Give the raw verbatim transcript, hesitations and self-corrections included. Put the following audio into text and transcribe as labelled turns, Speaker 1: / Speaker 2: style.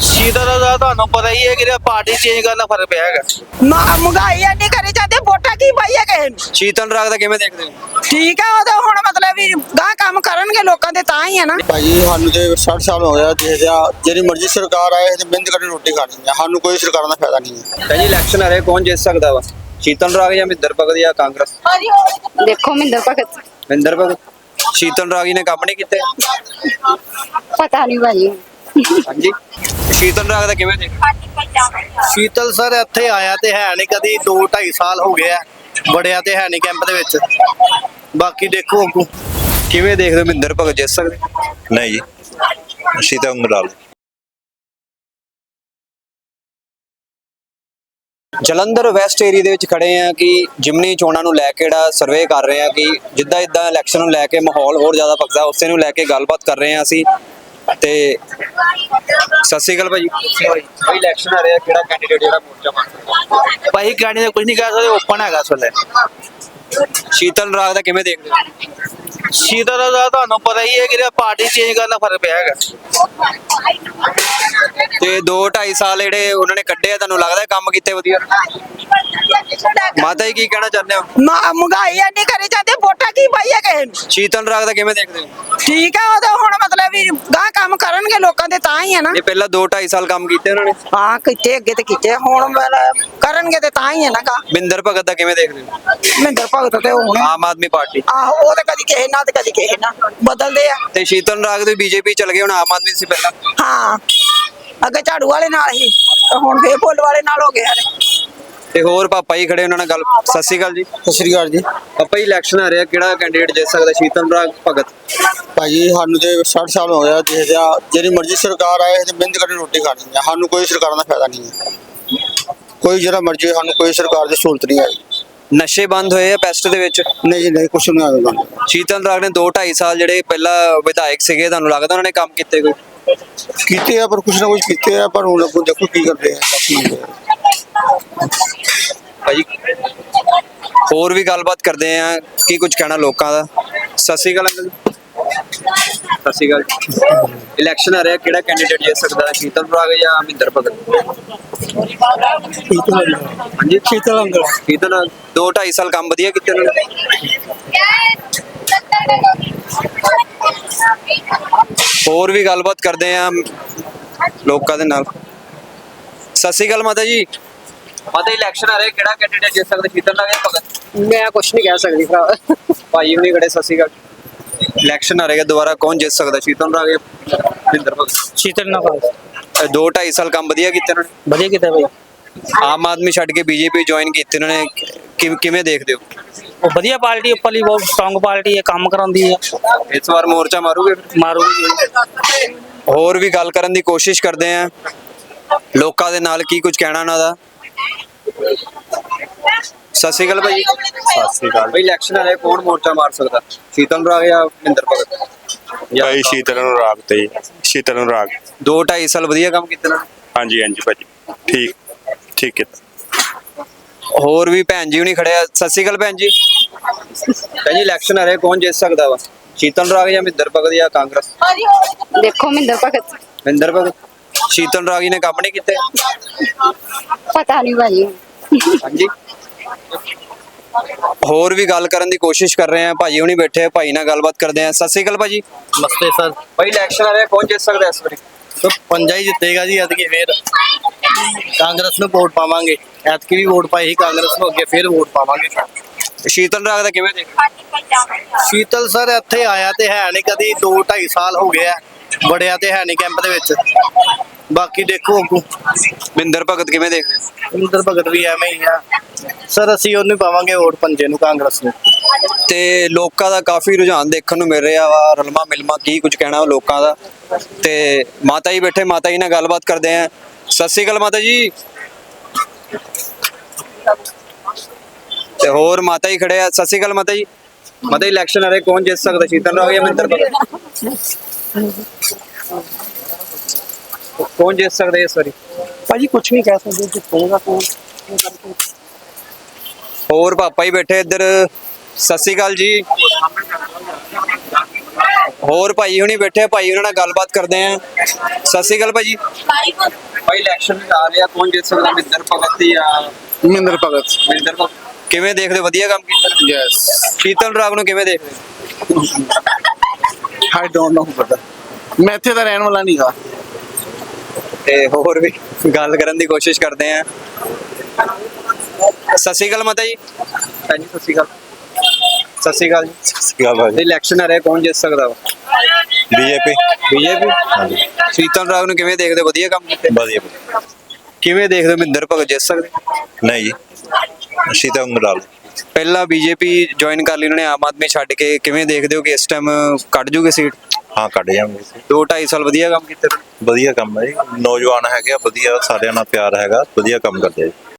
Speaker 1: ਸ਼ੀਤਲ ਦਾ ਤੁਹਾਨੂੰ ਪਤਾ ਹੀ ਹੈ ਕਿ ਪਾਰਟੀ ਚੇਂਜ ਕਰਨ ਦਾ ਫਰਕ ਪਿਆ ਹੈਗਾ।
Speaker 2: ਮਹਿੰਗਾਈ ਐਡੀ ਕਰੀ ਜਾਂਦੇ, ਵੋਟਾਂ ਕੀ ਪਾਈਏ ਕਿਸੇ ਨੂੰ।
Speaker 3: ਸ਼ੀਤਲ ਰਾਗ ਦਾ ਕਿਵੇਂ ਦੇਖਦੇ ਹੋ?
Speaker 2: ਠੀਕ ਆ, ਉਹ ਤਾਂ ਹੁਣ ਮਤਲਬ ਵੀ ਗਾਹ ਕੰਮ ਕਰਨਗੇ ਲੋਕਾਂ ਦੇ ਤਾਂ ਹੀ ਆ ਨਾ।
Speaker 4: ਭਾਜੀ ਸਾਨੂੰ ਤੇ ਸੱਠ ਸਾਲ ਹੋ ਗਿਆ ਦੇਖਿਆ, ਜਿਹੜੀ ਮਰਜ਼ੀ ਸਰਕਾਰ ਆਏ ਤੇ ਮਿਹਨਤ ਕਰਕੇ ਰੋਟੀ ਖਾਣੀ ਹੈ, ਸਾਨੂੰ ਕੋਈ ਸਰਕਾਰਾਂ ਦਾ ਫਾਇਦਾ ਨਹੀਂ ਹੈ।
Speaker 3: ਭਾਜੀ ਇਲੈਕਸ਼ਨ ਆ ਰਿਹਾ, ਕੌਣ ਜਿੱਤ ਸਕਦਾ ਵਾ? ਸ਼ੀਤਲ ਰਾਗ ਜਾਂ ਮਹਿੰਦਰ ਭਗਤ ਜਾਂ ਕਾਂਗਰਸ?
Speaker 5: ਦੇਖੋ ਮਹਿੰਦਰ ਭਗਤ।
Speaker 3: ਮਹਿੰਦਰ ਭਗਤ। ਸ਼ੀਤਲ ਰਾਗ ਨੇ ਕੰਮ ਨਹੀਂ ਕੀਤੇ?
Speaker 5: ਪਤਾ ਨਹੀਂ ਭਾਜੀ।
Speaker 3: ਹਾਂਜੀ, ਸ਼ੀਤਲ ਰਾਗ ਦਾ ਕਿਵੇਂ ਦੇਖਦੇ?
Speaker 1: ਸ਼ੀਤਲ ਸਰ ਇੱਥੇ ਆਇਆ ਤੇ ਹੈ ਨਹੀਂ ਕਦੀ, ਦੋ ਢਾਈ ਸਾਲ ਹੋ ਗਏ ਆ, ਵੜਿਆ ਤੇ ਹੈ ਨਹੀਂ ਕੈਂਪ ਦੇ ਵਿੱਚ। ਬਾਕੀ ਦੇਖੋ ਅੱਗੋਂ
Speaker 3: ਕਿਵੇਂ ਦੇਖਦੇ ਹੋ, ਮਹਿੰਦਰ ਭਗਤ ਜਿੱਤ ਸਕਦੇ?
Speaker 6: ਨਹੀਂ ਜੀ, ਸ਼ੀਤਲ ਅੰਗਰਾਲ।
Speaker 3: ਜਲੰਧਰ ਵੈਸਟ ਏਰੀਆ ਦੇ ਵਿੱਚ ਖੜੇ ਆ ਕਿ ਜਿਮਨੀ ਚੋਣਾਂ ਨੂੰ ਲੈ ਕੇ ਜਿਹੜਾ ਸਰਵੇ ਕਰ ਰਹੇ ਆ ਕਿ ਜਿੱਦਾਂ ਜਿੱਦਾਂ ਇਲੈਕਸ਼ਨ ਨੂੰ ਲੈ ਕੇ ਮਾਹੌਲ ਹੋਰ ਜ਼ਿਆਦਾ ਭਖਦਾ, ਉਸੇ ਨੂੰ ਲੈ ਕੇ ਗੱਲਬਾਤ ਕਰ ਰਹੇ ਆ ਅਸੀਂ। ਤੇ ਸਤਿ ਸ਼੍ਰੀ ਅਕਾਲ ਭਾਜੀ। ਭਾਈ ਇਲੈਕਸ਼ਨ ਆ ਰਿਹਾ, ਕਿਹੜਾ ਕੈਂਡੀਡੇਟ ਜਿਹੜਾ ਮੋਰਚਾ ਮਾਰ?
Speaker 1: ਭਾਈ ਕੈਂਡੀਡੇਟ ਕੁਝ ਨਹੀਂ ਕਹਿ ਸਕਦੇ, ਓਪਨ ਹੈਗਾ ਇਸ ਵੇਲੇ।
Speaker 3: ਸ਼ੀਤਲ ਰਾਗ ਦਾ ਕਿਵੇਂ ਦੇਖਦੇ ਹੋ?
Speaker 1: ਸ਼ੀਤਲ ਦਾ ਤੁਹਾਨੂੰ ਪਤਾ ਹੀ ਹੈ ਕਿ ਪਾਰਟੀ ਚੇਂਜ ਕਰਨ ਦਾ ਫਰਕ ਪਿਆ ਹੈਗਾ।
Speaker 3: ਤੇ ਦੋ ਢਾਈ ਸਾਲ ਜਿਹੜੇ ਉਹਨਾਂ ਨੇ ਕੱਢੇ ਆ, ਤੁਹਾਨੂੰ ਲੱਗਦਾ ਕੰਮ ਕੀਤੇ ਵਧੀਆ? ਮਾਤਾ ਜੀ ਕੀ ਕਹਿਣਾ ਚਾਹੁੰਦੇ ਹੋ?
Speaker 2: ਮਹਿੰਗਾਈ ਐਡੀ ਕਰੀ ਜਾਂਦੇ, ਵੋਟਾਂ ਕੀ ਪਾਈਏ ਕਿਸੇ ਨੂੰ।
Speaker 3: ਸ਼ੀਤਲ ਰਾਗ ਦਾ ਕਿਵੇਂ ਦੇਖਦੇ ਹੋ?
Speaker 2: ਠੀਕ ਆ, ਉਹ ਤਾਂ ਹੁਣ ਮਤਲਬ ਵੀ ਗਾਹ ਕੰਮ ਕਰਨਗੇ ਲੋਕਾਂ ਦੇ ਤਾਂ ਹੀ ਆ ਨਾ।
Speaker 3: ਇਹ ਪਹਿਲਾਂ ਦੋ ਢਾਈ ਸਾਲ ਕੰਮ ਕੀਤੇ ਉਹਨਾਂ ਨੇ।
Speaker 2: ਹਾਂ ਕੀਤੇ, ਅੱਗੇ ਤੇ ਕੀਤੇ, ਹੁਣ ਮਤਲਬ ਕਰਨਗੇ ਤੇ ਤਾਂ ਹੀ ਆ ਨਾ ਗਾ।
Speaker 3: ਮਹਿੰਦਰ ਭਗਤ ਦਾ ਕਿਵੇਂ ਦੇਖਦੇ ਹੋ?
Speaker 2: ਮਹਿੰਦਰ ਭਗਤ ਤੇ ਹੁਣ
Speaker 3: ਆਮ ਆਦਮੀ ਪਾਰਟੀ।
Speaker 2: ਆਹੋ, ਉਹ ਤਾਂ ਕਦੀ ਕਿਸੇ ਨਾਲ ਤੇ ਕਦੀ ਕਿਸੇ ਨਾਲ ਬਦਲਦੇ ਆ।
Speaker 3: ਤੇ ਸ਼ੀਤਲ ਰਾਗ ਦੇ ਬੀਜੇਪੀ ਚਲ ਗਏ, ਹੁਣ ਆਮ ਆਦਮੀ ਸੀ ਪਹਿਲਾਂ।
Speaker 2: ਹਾਂ, ਅੱਗੇ ਝਾੜੂ ਵਾਲੇ ਨਾਲ ਹੀ, ਹੁਣ ਫੇਰ ਫੁੱਲ ਵਾਲੇ ਨਾਲ ਹੋ ਗਿਆ ਨੇ।
Speaker 3: ਤੇ ਹੋਰ ਪਾਪਾ ਜੀ ਖੜੇ, ਉਹਨਾਂ ਨਾਲ ਗੱਲ। ਸਤਿ ਸ਼੍ਰੀ ਅਕਾਲ ਜੀ।
Speaker 4: ਸਤਿ ਸ਼੍ਰੀ ਅਕਾਲ ਜੀ।
Speaker 3: ਪਾਪਾ ਜੀ ਇਲੈਕਸ਼ਨ ਆ ਰਿਹਾ, ਕਿਹੜਾ ਕੈਂਡੀਡੇਟ ਜਿੱਤ ਸਕਦਾ, ਸ਼ੀਤਲ ਰਾਗ ਭਗਤ?
Speaker 4: ਭਾਜੀ ਸਾਨੂੰ ਤੇ ਸੱਠ ਸਾਲ ਹੋ ਗਿਆ ਦੇਖਿਆ, ਜਿਹੜੀ ਮਰਜ਼ੀ ਸਰਕਾਰ ਆਏ ਤੇ ਮਿਹਨਤ ਕਰਕੇ ਰੋਟੀ ਖਾਣੀ ਹੈ, ਸਾਨੂੰ ਕੋਈ ਸਰਕਾਰਾਂ ਦਾ ਫਾਇਦਾ ਨਹੀਂ ਹੈ। ਕੋਈ ਜਿਹੜਾ ਮਰਜ਼ੀ, ਸਾਨੂੰ ਕੋਈ ਸਰਕਾਰ ਦੀ ਸਹੂਲਤ ਨਹੀਂ ਆਈ।
Speaker 3: ਨਸ਼ੇ ਬੰਦ ਹੋਏ ਆ ਪੈਸਟ ਦੇ ਵਿੱਚ?
Speaker 4: ਨਹੀਂ ਜੀ ਨਹੀਂ, ਕੁਛ ਨਹੀਂ ਆਉਂਦਾ।
Speaker 3: ਸ਼ੀਤਲ ਰਾਗ ਨੇ ਦੋ ਢਾਈ ਸਾਲ ਜਿਹੜੇ ਪਹਿਲਾਂ ਵਿਧਾਇਕ ਸੀਗੇ, ਤੁਹਾਨੂੰ ਲੱਗਦਾ ਉਹਨਾਂ ਨੇ ਕੰਮ ਕੀਤੇ ਕੋਈ?
Speaker 4: ਕੀਤੇ ਆ, ਪਰ ਕੁਛ ਨਾ ਕੁਛ ਕੀਤੇ ਆ, ਪਰ ਹੁਣ ਅੱਗੋਂ ਦੇਖੋ ਕੀ ਕਰਦੇ ਆ।
Speaker 3: ਭਾਜੀ ਹੋਰ ਵੀ ਗੱਲਬਾਤ ਕਰਦੇ ਆ, ਕੀ ਕੁਝ ਕਹਿਣਾ ਲੋਕਾਂ ਦਾ। ਸਤਿ ਸ਼੍ਰੀ ਅਕਾਲ ਅੰਕਲ। ਸਤਿ ਸ਼੍ਰੀ ਅਕਾਲ। ਇਲੈਕਸ਼ਨ ਆ ਰਿਹਾ, ਕਿਹੜਾ ਕੈਂਡੀਡੇਟ ਜਿੱਤ ਸਕਦਾ, ਸ਼ੀਤਲ ਰਾਗ ਜਾਂ ਮਹਿੰਦਰ ਭਗਤ? ਹਾਂਜੀ,
Speaker 4: ਸ਼ੀਤਲ ਅੰਗਰਾਲ।
Speaker 3: ਸ਼ੀਤਲ ਰਾਗ। ਦੋ ਢਾਈ ਸਾਲ ਕੰਮ ਵਧੀਆ ਕੀਤੇ ਉਹਨਾਂ ਨੇ। ਹੋਰ ਵੀ ਗੱਲਬਾਤ ਕਰਦੇ ਆ ਲੋਕਾਂ ਦੇ ਨਾਲ। ਸਤਿ ਸ਼੍ਰੀ ਅਕਾਲ ਮਾਤਾ ਜੀ। ਮਾਤਾ ਇਲੈਕਸ਼ਨ ਆ ਰਿਹਾ, ਕਿਹੜਾ ਕੈਂਡੀਡੇਟ ਜਿੱਤ ਸਕਦਾ, ਸ਼ੀਤਲ ਰਾਗ ਜਾਂ ਭਗਤ?
Speaker 5: ਮੈਂ ਕੁਛ ਨਹੀਂ ਕਹਿ ਸਕਦੀ ਭਰਾ।
Speaker 3: ਭਾਈ ਹੁਣੀ ਖੜੇ। ਸਤਿ ਸ਼੍ਰੀ ਅਕਾਲ। ਇਲੈਕਸ਼ਨ ਆ ਰਿਹਾ, ਦੁਬਾਰਾ ਕੌਣ ਜਿੱਤ ਸਕਦਾ, ਸ਼ੀਤਲ ਰਾਗ ਜਾਂ ਮਹਿੰਦਰ ਭਗਤ?
Speaker 1: ਸ਼ੀਤਲ ਨਾਲ
Speaker 3: ਦੋ ਢਾਈ ਸਾਲ ਕੰਮ ਵਧੀਆ ਕੀਤੇ ਉਹਨਾਂ ਨੇ।
Speaker 1: ਵਧੀਆ ਕੀਤਾ ਭਾਈ।
Speaker 3: ਆਮ ਆਦਮੀ ਛੱਡ ਕੇ ਬੀਜੇਪੀ ਜੁਆਇਨ ਕੀਤੀ ਉਹਨਾਂ ਨੇ, ਕਿਵੇਂ ਕਿਵੇਂ ਦੇਖਦੇ ਹੋ?
Speaker 1: ਉਹ ਵਧੀਆ ਪਾਰਟੀ, ਉੱਪਰਲੀ ਬਹੁਤ ਸਟਰੋਂਗ ਪਾਰਟੀ ਹੈ, ਕੰਮ ਕਰਾਉਂਦੀ ਹੈ।
Speaker 3: ਇਸ ਵਾਰ ਮੋਰਚਾ ਮਾਰੂਗੇ?
Speaker 1: ਮਾਰੂਗੀ।
Speaker 3: ਹੋਰ ਵੀ ਗੱਲ ਕਰਨ ਦੀ ਕੋਸ਼ਿਸ਼ ਕਰਦੇ ਆ ਲੋਕਾਂ ਦੇ ਨਾਲ, ਕੀ ਕੁਝ ਕਹਿਣਾ ਉਹਨਾਂ ਦਾ। ਸਤਿ ਸ਼੍ਰੀ ਅਕਾਲ ਭਾਈ।
Speaker 6: ਸਤਿ ਸ਼੍ਰੀ ਅਕਾਲ
Speaker 3: ਭਾਈ ਇਲੈਕਸ਼ਨ ਆ ਰਿਹਾ, ਕੌਣ ਮੋਰਚਾ ਮਾਰ ਸਕਦਾ, ਸ਼ੀਤਲ ਰਾਗ ਜਾਂ ਮਹਿੰਦਰ ਭਗਤ?
Speaker 6: ਭਾਈ ਸ਼ੀਤਲ ਨੂੰ ਰਾਗ ਤੇ ਸ਼ੀਤਲ ਨੂੰ ਰਾਗ।
Speaker 3: ਦੋ ਢਾਈ ਸਾਲ ਵਧੀਆ ਕੰਮ ਕੀਤੇ ਨਾ।
Speaker 6: ਹਾਂਜੀ ਹਾਂਜੀ ਭਾਜੀ, ਠੀਕ ਠੀਕ ਹੈ।
Speaker 3: ਹੋਰ ਵੀ ਭੈਣ ਜੀ ਹੁਣੀ ਖੜਿਆ। ਸਤਿ ਸ਼੍ਰੀ ਅਕਾਲ ਭੈਣ ਜੀ। ਭੈਣ ਜੀ ਇਲੈਕਸ਼ਨ ਆ ਰਿਹਾ, ਕੌਣ ਜਿੱਤ ਸਕਦਾ ਵਾ, ਸ਼ੀਤਲ ਰਾਗ ਜਾਂ ਮਹਿੰਦਰ ਭਗਤ ਜਾਂ ਕਾਂਗਰਸ?
Speaker 5: ਦੇਖੋ ਮਹਿੰਦਰ ਭਗਤ।
Speaker 3: ਮਹਿੰਦਰ ਭਗਤ। ਸ਼ੀਤਲ ਰਾਗ ਨੇ ਕੰਮ ਨਹੀਂ ਕੀਤੇ?
Speaker 5: ਪਤਾ ਨਹੀਂ ਭਾਜੀ।
Speaker 3: ਹਾਂਜੀ, ਹੋਰ ਵੀ ਗੱਲ ਕਰਨ ਦੀ ਕੋਸ਼ਿਸ਼ ਕਰ ਰਹੇ ਆ, ਭਾਜੀ ਹੁਣੀ ਬੈਠੇ ਆ, ਭਾਈ ਨਾਲ ਗੱਲਬਾਤ ਕਰਦੇ ਆ। ਸਤਿ ਸ਼੍ਰੀ ਅਕਾਲ ਭਾਜੀ।
Speaker 1: ਨਮਸਤੇ ਸਰ।
Speaker 3: ਭਾਈ ਇਲੈਕਸ਼ਨ ਆ ਰਿਹਾ, ਕੌਣ ਜਿੱਤ ਸਕਦਾ ਇਸ ਵਾਰੀ?
Speaker 1: तो पंजा ही जितेगा जी एतकी फिर कांग्रेस ਨੂੰ ਵੋਟ ਪਾਵਾਂਗੇ। ਐਤਕੀ ਵੀ ਵੋਟ ਪਾਈ ਸੀ ਕਾਂਗਰਸ ਨੂੰ, ਅੱਗੇ ਫਿਰ ਵੋਟ ਪਾਵਾਂਗੇ।
Speaker 3: ਸ਼ੀਤਲ ਰਾਗ ਦਾ ਕਿਵੇਂ ਦੇਖ?
Speaker 1: ਸ਼ੀਤਲ ਸਰ ਇੱਥੇ ਆਇਆ ਤੇ ਹੈ ਨਹੀਂ ਕਦੀ, ਦੋ ਢਾਈ ਸਾਲ ਹੋ ਗਏ ਆ, ਵੜਿਆ ਤੇ ਹੈ ਨਹੀਂ ਕੈਂਪ ਦੇ ਵਿੱਚ। ਬਾਕੀ ਦੇਖੋ ਅੱਗੋਂ।
Speaker 3: ਮਹਿੰਦਰ ਭਗਤ ਕਿਵੇਂ ਦੇਖਦੇ?
Speaker 1: ਮਹਿੰਦਰ ਭਗਤ ਵੀ ਐਵੇਂ ਹੀ ਆ ਸਰ, ਅਸੀਂ ਉਹਨੂੰ ਪਾਵਾਂਗੇ ਵੋਟ ਪੰਜੇ ਨੂੰ, ਕਾਂਗਰਸ ਨੂੰ।
Speaker 3: ਤੇ ਲੋਕਾਂ ਦਾ ਕਾਫੀ ਰੁਝਾਨ ਦੇਖਣ ਨੂੰ ਮਿਲ ਰਿਹਾ ਵਾ, ਰਲਮਾ ਮਿਲਮਾ, ਕੀ ਕੁਝ ਕਹਿਣਾ ਲੋਕਾਂ ਦਾ। ਤੇ ਮਾਤਾ ਜੀ ਬੈਠੇ, ਮਾਤਾ ਜੀ ਨਾਲ ਗੱਲਬਾਤ ਕਰਦੇ ਆ। ਸਤਿ ਸ਼੍ਰੀ ਅਕਾਲ ਮਾਤਾ ਜੀ। ਤੇ ਹੋਰ ਮਾਤਾ ਜੀ ਖੜੇ ਆ। ਸਤਿ ਸ਼੍ਰੀ ਅਕਾਲ ਮਾਤਾ ਜੀ। ਮਾਤਾ ਜੀ ਇਲੈਕਸ਼ਨ ਆ ਰਿਹਾ, ਕੌਣ ਜਿੱਤ ਸਕਦਾ, ਸ਼ੀਤਲ ਰਾਗ ਜਾਂ ਮਹਿੰਦਰ ਭਗਤ? ਕੌਣ ਜਿੱਤ ਸਕਦਾ ਇਸ ਵਾਰੀ?
Speaker 1: ਭਾਜੀ ਕੁਝ ਨਹੀਂ ਕਹਿ ਸਕਦੇ, ਜਿੱਤੇਗਾ ਕੌਣ।
Speaker 3: ਹੋਰ ਪਾਪਾ ਹੀ ਬੈਠੇ ਇੱਧਰ। ਸਤਿ ਸ਼੍ਰੀ ਅਕਾਲ ਜੀ। ਹੋਰ ਭਾਈ ਹੁਣੀ ਬੈਠੇ ਆ, ਭਾਈ ਉਹਨਾਂ ਨਾਲ ਗੱਲਬਾਤ ਕਰਦੇ ਆ। ਸਤਿ ਸ਼੍ਰੀ ਅਕਾਲ ਭਾਜੀ। ਭਾਈ ਇਲੈਕਸ਼ਨ ਆ ਰਿਹਾ, ਕੌਣ ਜਿੱਤ ਸਕਦਾ, ਮਹਿੰਦਰ ਭਗਤ ਜਾਂ
Speaker 7: ਮਹਿੰਦਰ ਭਗਤ
Speaker 3: ਮਹਿੰਦਰ ਭਗਤ? ਕਿਵੇਂ ਦੇਖਦੇ ਹੋ? ਵਧੀਆ ਕੰਮ ਕੀਤਾ?
Speaker 7: ਯੈਸ
Speaker 3: ਸ਼ੀਤਲ ਰਾਗ ਨੂੰ ਕਿਵੇਂ ਦੇਖਦੇ ਹੋ?
Speaker 7: ਆਈ ਡੋਨਟ ਨੋ ਪਤਾ, ਮੈਂ ਇੱਥੇ ਦਾ ਰਹਿਣ ਵਾਲਾ ਨਹੀਂ ਗਾ।
Speaker 3: ਤੇ ਹੋਰ ਵੀ ਗੱਲ ਕਰਨ ਦੀ ਕੋਸ਼ਿਸ਼ ਕਰਦੇ ਆ। ਸਤਿ ਸ਼੍ਰੀ ਅਕਾਲ ਮਾਤਾ ਜੀ। ਹਾਂਜੀ ਸਤਿ ਸ਼੍ਰੀ ਅਕਾਲ। ਸਤਿ ਸ਼੍ਰੀ ਅਕਾਲ ਜੀ।
Speaker 6: ਕੀ ਹਾਲ ਹੈ
Speaker 3: ਇਲੈਕਸ਼ਨ ਆ ਰਿਹਾ, ਕੌਣ ਜਿੱਤ ਸਕਦਾ ਵਾ?
Speaker 6: BJP
Speaker 3: BJP.
Speaker 6: ਹਾਂਜੀ
Speaker 3: ਸ਼ੀਤਲ ਰਾਗ ਨੂੰ ਕਿਵੇਂ ਦੇਖਦੇ ਹੋ? ਵਧੀਆ ਕੰਮ ਕੀਤੇ?
Speaker 6: ਵਧੀਆ
Speaker 3: ਕਿਵੇਂ ਦੇਖਦੇ ਹੋ ਮਹਿੰਦਰ ਭਗਤ ਜਿੱਤ ਸਕਦੇ?
Speaker 6: ਨਹੀਂ ਜੀ ਸ਼ੀਤਲ ਨੂੰ ਰਾਗ
Speaker 3: ਪਹਿਲਾਂ ਬੀਜੇਪੀ ਜੁਆਇਨ ਕਰ ਲਈ ਉਹਨਾਂ ਨੇ, ਆਮ ਆਦਮੀ ਛੱਡ ਕੇ। ਕਿਵੇਂ ਦੇਖਦੇ ਹੋ ਕਿ ਇਸ ਟਾਈਮ ਕੱਢ ਜੂਗੇ ਸੀਟ?
Speaker 6: ਹਾਂ ਕੱਢ ਜਾਵਾਂਗੇ।
Speaker 3: ਦੋ ਢਾਈ ਸਾਲ ਵਧੀਆ ਕੰਮ ਕੀਤੇ।
Speaker 6: ਵਧੀਆ ਕੰਮ ਹੈ ਜੀ, ਨੌਜਵਾਨ ਹੈਗੇ ਆ, ਵਧੀਆ ਸਾਰਿਆਂ ਨਾਲ ਪਿਆਰ ਹੈਗਾ, ਵਧੀਆ ਕੰਮ ਕਰਦੇ ਆ ਜੀ।